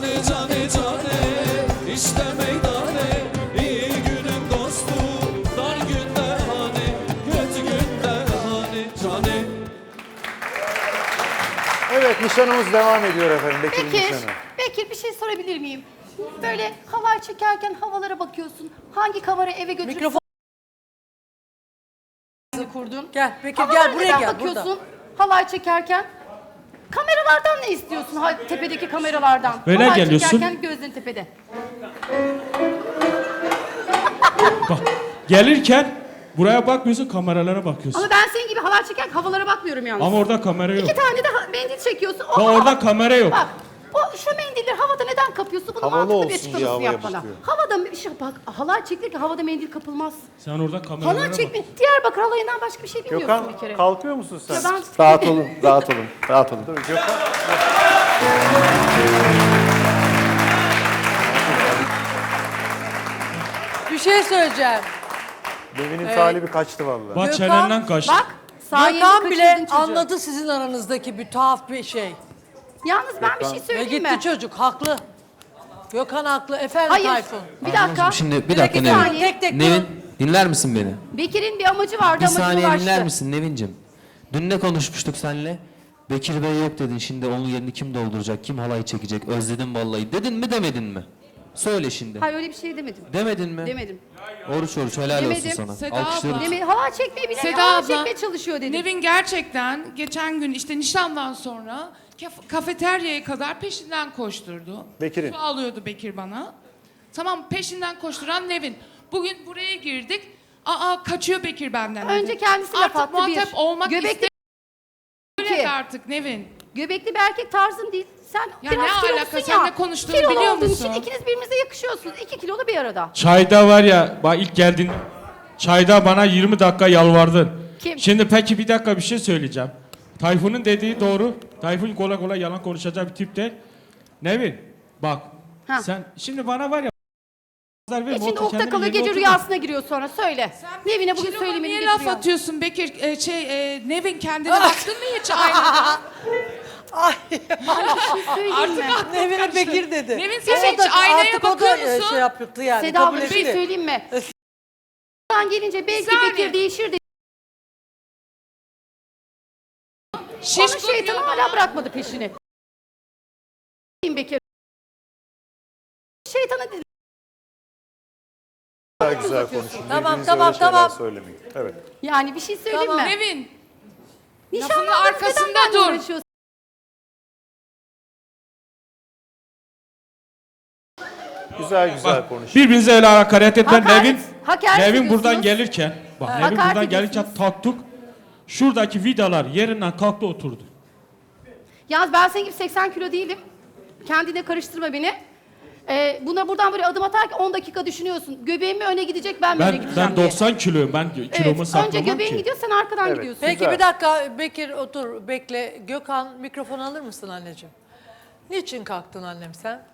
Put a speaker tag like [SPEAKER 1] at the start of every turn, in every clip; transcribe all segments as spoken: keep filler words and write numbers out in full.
[SPEAKER 1] cane cane cane işte meydane iyi günün dostu dar günde hani kötü günde hani cane.
[SPEAKER 2] Evet, nişanımız devam ediyor efendim. Bekir'in
[SPEAKER 3] Bekir,
[SPEAKER 2] nişanı.
[SPEAKER 3] Bekir bir şey sorabilir miyim? Böyle halay çekerken havalara bakıyorsun. Hangi kamera eve götürüp
[SPEAKER 4] Mikrofon
[SPEAKER 3] kurdun?
[SPEAKER 4] gel. Bekir
[SPEAKER 3] Havalara
[SPEAKER 4] gel buraya
[SPEAKER 3] neden
[SPEAKER 4] gel.
[SPEAKER 3] bakıyorsun
[SPEAKER 4] Burada.
[SPEAKER 3] halay çekerken? Kameralardan ne istiyorsun? Ha, tepedeki kameralardan.
[SPEAKER 5] Böyle
[SPEAKER 3] halay
[SPEAKER 5] geliyorsun.
[SPEAKER 3] çekerken gözlerin tepede.
[SPEAKER 5] Bak, gelirken buraya bakmıyorsun, kameralara bakıyorsun.
[SPEAKER 3] Ama ben senin gibi halay çekerken havalara bakmıyorum yalnız.
[SPEAKER 5] Ama orada kamera yok.
[SPEAKER 3] İki tane de ha- mendil çekiyorsun.
[SPEAKER 5] Bak orada kamera yok.
[SPEAKER 3] Bak, o şu mendilleri havada neden kapıyorsun? Bunun
[SPEAKER 2] Havalı
[SPEAKER 3] mantıklı
[SPEAKER 2] olsun
[SPEAKER 3] bir
[SPEAKER 2] diye
[SPEAKER 3] açıklamasını
[SPEAKER 2] havaya
[SPEAKER 3] yap bana.
[SPEAKER 2] bakıyor.
[SPEAKER 3] Havada bir şey bak, halay çekilirken havada mendil kapılmaz.
[SPEAKER 5] Sen orada kameralara
[SPEAKER 3] Halay
[SPEAKER 5] bak.
[SPEAKER 3] çekme. Diyarbakır halayından başka bir şey bilmiyorsun
[SPEAKER 2] Gökhan,
[SPEAKER 3] bir kere.
[SPEAKER 2] kalkıyor musun sen?
[SPEAKER 3] Ya ben-
[SPEAKER 2] Rahat olun, rahat olun, rahat olun. Dur, Gökhan.
[SPEAKER 4] Bir şey söyleyeceğim.
[SPEAKER 2] Nevin'in talibi kaçtı vallahi.
[SPEAKER 5] Bak
[SPEAKER 4] Gökhan,
[SPEAKER 5] çenenden kaçtı.
[SPEAKER 3] Bak, sayende
[SPEAKER 4] Gökhan
[SPEAKER 3] kaçırdın
[SPEAKER 4] bile
[SPEAKER 3] çocuğu.
[SPEAKER 4] anladı sizin aranızdaki bir tuhaf bir şey.
[SPEAKER 3] Yalnız ben bir şey
[SPEAKER 4] Ve
[SPEAKER 3] söyleyeyim
[SPEAKER 4] gitti
[SPEAKER 3] mi?
[SPEAKER 4] çocuk haklı. Gökhan haklı. Efendim
[SPEAKER 3] Hayır.
[SPEAKER 4] Tayfun.
[SPEAKER 3] Bir dakika.
[SPEAKER 6] Şimdi bir dakika
[SPEAKER 4] Bir
[SPEAKER 6] Nevin.
[SPEAKER 4] saniye. Tek tek
[SPEAKER 6] Nevin dinler misin beni?
[SPEAKER 3] Bekir'in bir amacı vardı,
[SPEAKER 6] Bir
[SPEAKER 3] amacına
[SPEAKER 6] saniye
[SPEAKER 3] ulaştı.
[SPEAKER 6] dinler misin Nevin'cim? Dün ne konuşmuştuk seninle? Bekir Bey yok dedin. Şimdi onun yerini kim dolduracak? Kim halay çekecek? Özledim vallahi. Dedin mi demedin mi? Söyle şimdi.
[SPEAKER 3] Hayır öyle bir şey demedim.
[SPEAKER 6] Demedin mi?
[SPEAKER 3] Demedim.
[SPEAKER 6] Oruç oruç helal
[SPEAKER 3] Demedim.
[SPEAKER 6] olsun sana.
[SPEAKER 7] Seda
[SPEAKER 6] Alkışlıyoruz.
[SPEAKER 7] abla.
[SPEAKER 3] Demedim. Halay çekmeyi bilen
[SPEAKER 7] Seda
[SPEAKER 3] halay
[SPEAKER 7] abla,
[SPEAKER 3] çekmeye çalışıyor dedim.
[SPEAKER 7] Nevin gerçekten geçen gün işte nişandan sonra kaf- kafeteryaya kadar peşinden koşturdu.
[SPEAKER 2] Bekir'in.
[SPEAKER 7] Su alıyordu Bekir bana. Tamam, peşinden koşturan Nevin. Bugün buraya girdik. Aa, kaçıyor Bekir benden.
[SPEAKER 3] Önce
[SPEAKER 7] dedi.
[SPEAKER 3] kendisi laf
[SPEAKER 7] Artık
[SPEAKER 3] attı, bir.
[SPEAKER 7] muhatap olmak
[SPEAKER 3] Göbekli
[SPEAKER 7] istemiyor
[SPEAKER 3] iki.
[SPEAKER 7] artık Nevin.
[SPEAKER 3] Göbekli bir erkek tarzın değil. Sen
[SPEAKER 7] Ya
[SPEAKER 3] biraz
[SPEAKER 7] ne
[SPEAKER 3] kilolusun
[SPEAKER 7] alaka?
[SPEAKER 3] ya.
[SPEAKER 7] Sen ne konuştuğunu
[SPEAKER 3] Kilolu
[SPEAKER 7] biliyor
[SPEAKER 3] olduğun
[SPEAKER 7] musun?
[SPEAKER 3] için ikiniz birbirinize yakışıyorsunuz. İki kilolu bir arada.
[SPEAKER 5] Çayda var ya, bak ilk geldin. Çayda bana yirmi dakika yalvardın.
[SPEAKER 3] Kim?
[SPEAKER 5] Şimdi peki bir dakika bir şey söyleyeceğim. Tayfun'un dediği doğru. Tayfun kolay kolay yalan konuşacak bir tip değil. Nevin, bak.
[SPEAKER 3] Ha.
[SPEAKER 5] Sen şimdi bana var ya. Verme,
[SPEAKER 3] İçinde
[SPEAKER 5] otur,
[SPEAKER 3] okta
[SPEAKER 5] kendini
[SPEAKER 3] kalıyor,
[SPEAKER 5] yerine
[SPEAKER 3] gece
[SPEAKER 5] otur.
[SPEAKER 3] rüyasına giriyor sonra. Söyle. Nevin'e bugün
[SPEAKER 7] Kiloma
[SPEAKER 3] söylemeni
[SPEAKER 7] niye laf
[SPEAKER 3] getiriyor.
[SPEAKER 7] atıyorsun Bekir? Ee, şey, e, Nevin kendine baktın mı hiç aynada?
[SPEAKER 3] Söyleyeyim mi?
[SPEAKER 4] Nevin'e Bekir dedi.
[SPEAKER 7] Nevin sen
[SPEAKER 4] O
[SPEAKER 7] hiç
[SPEAKER 4] da
[SPEAKER 7] aynaya
[SPEAKER 4] artık o da,
[SPEAKER 7] bakıyor
[SPEAKER 4] e,
[SPEAKER 7] musun?
[SPEAKER 4] şey yaptı yani.
[SPEAKER 3] Seda
[SPEAKER 4] kabul
[SPEAKER 3] abla bir şey
[SPEAKER 4] etti.
[SPEAKER 3] söyleyeyim mi? Buradan gelince belki
[SPEAKER 7] saniye.
[SPEAKER 3] Bekir değişir dedi. Onu
[SPEAKER 7] Şişko
[SPEAKER 3] şeytan
[SPEAKER 7] diyor
[SPEAKER 3] hala
[SPEAKER 7] bana.
[SPEAKER 3] bırakmadı peşini. Bekir. Şeytana dedi.
[SPEAKER 2] Daha güzel konuşun.
[SPEAKER 4] Tamam,
[SPEAKER 2] Birbirinize
[SPEAKER 4] tamam,
[SPEAKER 2] öyle şeyler
[SPEAKER 4] tamam.
[SPEAKER 2] söylemeyin. Evet.
[SPEAKER 3] Yani bir şey söyleyeyim
[SPEAKER 4] Tamam.
[SPEAKER 3] mi?
[SPEAKER 7] Nevin.
[SPEAKER 3] Nişanlandınız,
[SPEAKER 7] lafının arkasında
[SPEAKER 3] neden benimle
[SPEAKER 7] dur.
[SPEAKER 3] uğraşıyorsun?
[SPEAKER 2] Güzel güzel
[SPEAKER 5] Bak,
[SPEAKER 2] konuşun.
[SPEAKER 5] birbirinize öyle hakaret etme.
[SPEAKER 3] Hakaret-
[SPEAKER 5] Nevin,
[SPEAKER 3] hakaret
[SPEAKER 5] Nevin
[SPEAKER 3] ediyorsunuz.
[SPEAKER 5] buradan gelirken, bak Nevin
[SPEAKER 3] Hakaret
[SPEAKER 5] buradan gelirken
[SPEAKER 3] ediyorsunuz.
[SPEAKER 5] kalktık. Şuradaki vidalar yerinden kalktı oturdu.
[SPEAKER 3] Yalnız ben senin gibi seksen kilo değilim. Kendine karıştırma beni. Ee, buna buradan böyle adım atarken on dakika düşünüyorsun. Göbeğim mi öne gidecek, ben mi öne
[SPEAKER 5] Ben
[SPEAKER 3] gideceğim
[SPEAKER 5] ben
[SPEAKER 3] diye.
[SPEAKER 5] doksan kiloyum. Ben kilomu
[SPEAKER 3] Evet, önce
[SPEAKER 5] saklamam
[SPEAKER 3] göbeğin
[SPEAKER 5] ki.
[SPEAKER 3] gidiyor, sen arkadan
[SPEAKER 2] Evet.
[SPEAKER 3] gidiyorsun.
[SPEAKER 4] Peki
[SPEAKER 2] Güzel.
[SPEAKER 4] bir dakika Bekir otur bekle. Gökhan mikrofon alır mısın anneciğim? Niçin kalktın annem sen?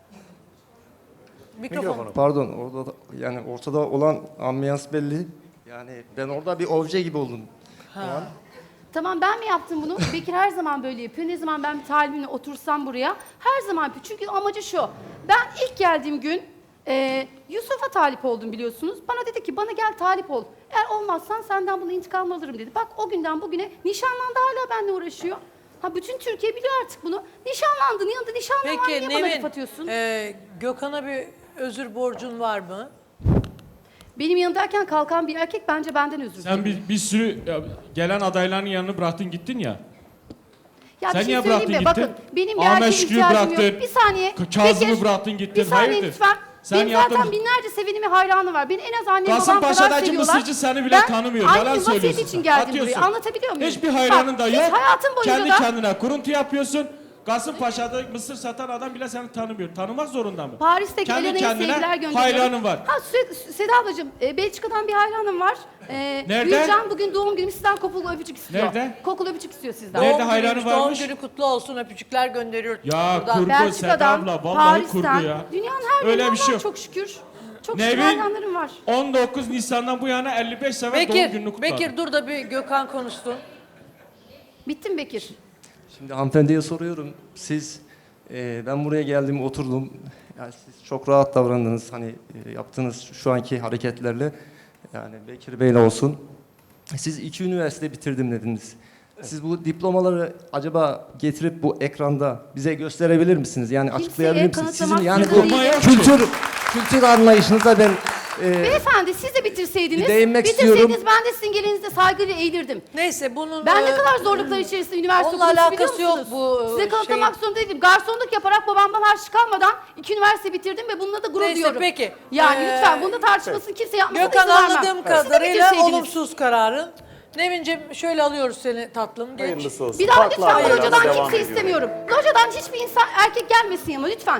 [SPEAKER 4] Mikrofon.
[SPEAKER 2] Mikrofonu.
[SPEAKER 8] Pardon, orada da, yani ortada olan ambiyans belli. Yani ben orada bir obje gibi oldum. O an.
[SPEAKER 3] Tamam, ben mi yaptım bunu? Bekir her zaman böyle yapıyor. Ne zaman ben bir talibimle otursam buraya her zaman yapıyor. Çünkü amacı şu. Ben ilk geldiğim gün e, Yusuf'a talip oldum biliyorsunuz. Bana dedi ki bana gel talip ol. Eğer olmazsan senden bunu intikam alırım dedi. Bak o günden bugüne nişanlandı, hala benimle uğraşıyor. Ha bütün Türkiye biliyor artık bunu. Nişanlandın yanında nişanlı var,
[SPEAKER 4] Peki
[SPEAKER 3] niye bana laf
[SPEAKER 4] Nevin,
[SPEAKER 3] atıyorsun?
[SPEAKER 4] e, Gökhan'a bir özür borcun var mı?
[SPEAKER 3] Benim yanındayken kalkan bir erkek bence benden özür
[SPEAKER 5] Sen
[SPEAKER 3] diliyor.
[SPEAKER 5] bir, bir sürü ya, gelen adayların yanını bıraktın gittin ya.
[SPEAKER 3] Ya
[SPEAKER 5] Sen
[SPEAKER 3] bir şey
[SPEAKER 5] niye
[SPEAKER 3] söyleyeyim
[SPEAKER 5] bıraktın
[SPEAKER 3] mi?
[SPEAKER 5] gittin?
[SPEAKER 3] Bakın benim bir
[SPEAKER 5] Ahmet
[SPEAKER 3] erkeğe
[SPEAKER 5] Şükrü'yü
[SPEAKER 3] ihtiyacım
[SPEAKER 5] bıraktın.
[SPEAKER 3] yok. Bir saniye.
[SPEAKER 5] Kazım'ı
[SPEAKER 3] Bekir,
[SPEAKER 5] bıraktın gittin.
[SPEAKER 3] Bir saniye
[SPEAKER 5] Hayırdır?
[SPEAKER 3] lütfen.
[SPEAKER 5] Sen
[SPEAKER 3] Benim zaten
[SPEAKER 5] yaptın.
[SPEAKER 3] binlerce sevenimi hayranı var. Beni en az annem babam kadar
[SPEAKER 5] Kasımpaşa'daki
[SPEAKER 3] seviyorlar.
[SPEAKER 5] mısırcı seni bile
[SPEAKER 3] Ben
[SPEAKER 5] tanımıyor.
[SPEAKER 3] aynı
[SPEAKER 5] Yalan
[SPEAKER 3] vasiyet
[SPEAKER 5] söylüyorsun.
[SPEAKER 3] için geldim
[SPEAKER 5] Atıyorsun.
[SPEAKER 3] buraya. Anlatabiliyor muyum?
[SPEAKER 5] Hiçbir hayranın
[SPEAKER 3] Bak,
[SPEAKER 5] da
[SPEAKER 3] hiç
[SPEAKER 5] yok.
[SPEAKER 3] hayatım boyunca
[SPEAKER 5] Kendi
[SPEAKER 3] da
[SPEAKER 5] kendine kuruntu yapıyorsun. Kasımpaşa'da mısır satan adam bile seni tanımıyor. Tanımak zorunda mı?
[SPEAKER 3] Paris'teki
[SPEAKER 5] Kendi
[SPEAKER 3] Elena'ya
[SPEAKER 5] kendine
[SPEAKER 3] sevgiler gönderiyorum.
[SPEAKER 5] hayranın var.
[SPEAKER 3] Ha Sü- Seda ablacığım, e, Belçika'dan bir hayranım var. E,
[SPEAKER 5] Nerede?
[SPEAKER 3] Gülcan bugün doğum günü sizden kokulu öpücük istiyor.
[SPEAKER 5] Nerede?
[SPEAKER 3] Kokulu öpücük istiyor sizden.
[SPEAKER 5] Nerede
[SPEAKER 4] Doğum
[SPEAKER 5] hayranı
[SPEAKER 4] günüymüş, doğum
[SPEAKER 5] varmış?
[SPEAKER 4] günü kutlu olsun öpücükler gönderiyor.
[SPEAKER 5] Ya
[SPEAKER 4] buradan.
[SPEAKER 5] kurgu Seda
[SPEAKER 3] Belçika'dan,
[SPEAKER 5] abla vallahi kurgu
[SPEAKER 3] Paris'ten,
[SPEAKER 5] ya.
[SPEAKER 3] dünyanın her
[SPEAKER 5] Öyle
[SPEAKER 3] yerinden
[SPEAKER 5] bir şey
[SPEAKER 3] var
[SPEAKER 5] yok.
[SPEAKER 3] çok şükür. Çok şükür
[SPEAKER 5] Nevin
[SPEAKER 3] hayranlarım var.
[SPEAKER 5] on dokuz Nisan'dan bu yana elli beş sefer doğum gününü
[SPEAKER 4] Bekir,
[SPEAKER 5] kutladı.
[SPEAKER 4] Bekir dur da bir Gökhan konuşsun.
[SPEAKER 3] Bittim Bekir.
[SPEAKER 8] Şimdi hanımefendiye soruyorum. Siz Ee, ben buraya geldim, oturdum. Yani siz çok rahat davrandınız. Hani e, yaptığınız şu anki hareketlerle. Yani Bekir Bey'le olsun. Siz iki üniversite bitirdim dediniz. Siz bu diplomaları acaba getirip bu ekranda bize gösterebilir misiniz? Yani
[SPEAKER 3] Kimseye
[SPEAKER 8] açıklayabilir misiniz? Sizin
[SPEAKER 3] kanıtlamak
[SPEAKER 8] yani bu
[SPEAKER 3] zorunda değilim.
[SPEAKER 8] kültür kültür anlayışınıza ben e,
[SPEAKER 3] Beyefendi siz de bitirseydiniz,
[SPEAKER 8] Bir değinmek
[SPEAKER 3] bitirseydiniz
[SPEAKER 8] istiyorum.
[SPEAKER 3] ben de sizin gelinizde saygıyla eğilirdim.
[SPEAKER 4] Neyse bunun...
[SPEAKER 3] Ben ne
[SPEAKER 4] e,
[SPEAKER 3] kadar zorluklar içerisinde üniversite
[SPEAKER 4] onunla
[SPEAKER 3] okudum biliyor
[SPEAKER 4] alakası yok
[SPEAKER 3] musunuz?
[SPEAKER 4] bu,
[SPEAKER 3] Size
[SPEAKER 4] şey-
[SPEAKER 3] kanıtlamak zorunda değilim. Garsonluk yaparak babamdan harç kalmadan iki üniversite bitirdim ve bununla da gurur
[SPEAKER 4] Neyse,
[SPEAKER 3] duyuyorum.
[SPEAKER 4] peki.
[SPEAKER 3] Yani
[SPEAKER 4] Ee,
[SPEAKER 3] lütfen bunda tartışmasını kimse yapmasın
[SPEAKER 4] Gökhan
[SPEAKER 3] izin vermem.
[SPEAKER 4] anladığım
[SPEAKER 3] Siz de
[SPEAKER 4] kadarıyla
[SPEAKER 3] bitirseydiniz.
[SPEAKER 4] olumsuz kararın. Nevin'ciğim şöyle alıyoruz seni tatlım. Geç.
[SPEAKER 2] Hayırlısı olsun.
[SPEAKER 3] Bir daha
[SPEAKER 2] Farklı
[SPEAKER 3] lütfen bu
[SPEAKER 2] adaylarla
[SPEAKER 3] locadan
[SPEAKER 2] devam
[SPEAKER 3] kimse
[SPEAKER 2] ediyorum.
[SPEAKER 3] istemiyorum. Locadan hiçbir insan erkek gelmesin yanıma lütfen.